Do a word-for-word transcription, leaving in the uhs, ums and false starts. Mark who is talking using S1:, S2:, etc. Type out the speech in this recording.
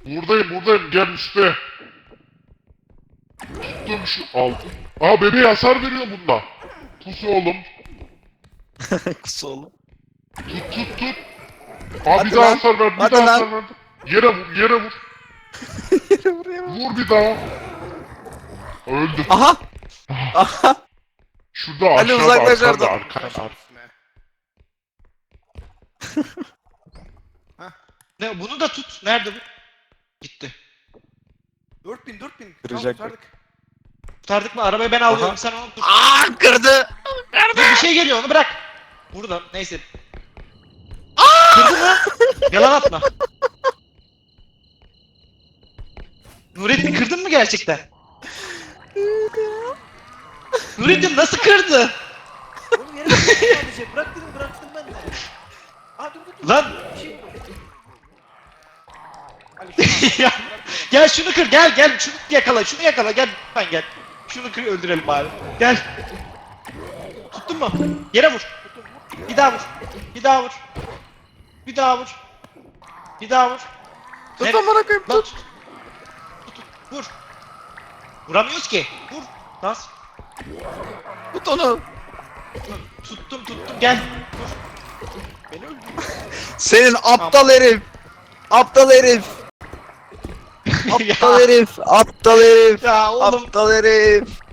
S1: Buradayım buradayım gel üstte. Tuttum şu al. Aa bebeğe hasar veriyor bunda. Pus oğlum.
S2: Kus oğlum.
S1: Tut tut tut. Aa
S2: Hadi
S1: bir daha
S2: lan,
S1: hasar ver bir
S2: hadi
S1: daha
S2: lan.
S1: hasar ver. Yere vur yere vur.
S2: Yere buraya bak.
S1: Vur bir daha. Öldü.
S2: Aha. Aha.
S1: Şurada
S2: Ali
S1: aşağıda
S2: uzaklaş
S1: arkanda
S2: oradan.
S1: arkanda arkanda.
S3: Ne bunu da tut. Nerede bu? Gitti.
S4: dört bin dört bin.
S2: Kıracak
S4: Tamam,
S2: bak.
S4: kurtardık.
S3: Kurtardık mı? Arabayı ben alıyorum.
S2: Aha.
S3: Sen onu tut.
S2: Aa kırdı.
S3: Dur bir şey geliyor onu bırak. Burada neyse. Kırdı mı? Yalan atma. Nurettin kırdın mı gerçekten? Nurettin nasıl kırdı?
S4: Oğlum yere bıraktım sadece. Bırak dedim bıraktım ben de. Aa dur dur dur.
S3: Lan
S4: Bir şey buldum. Ali, şunu
S3: ya, gel şunu kır gel gel şunu yakala şunu yakala gel lütfen gel. Şunu kır öldürelim bari. Gel. Tuttun mu? Yere vur. Bir daha vur. Bir daha vur. Bir daha vur. Bir daha vur.
S2: Tut
S3: Nereye-
S2: amına koyayım
S3: Lan
S2: tut.
S3: tut. Tut, tut. Vur. Vuramıyoruz ki. Vur. Bas.
S2: Tut onu.
S3: Tuttum tuttum gel. Vur. Beni öldür.
S2: Senin aptal herif. Aptal herif. Aptal
S3: ya,
S2: herif. Aptal herif.
S3: ya oğlum
S2: Aptal herif.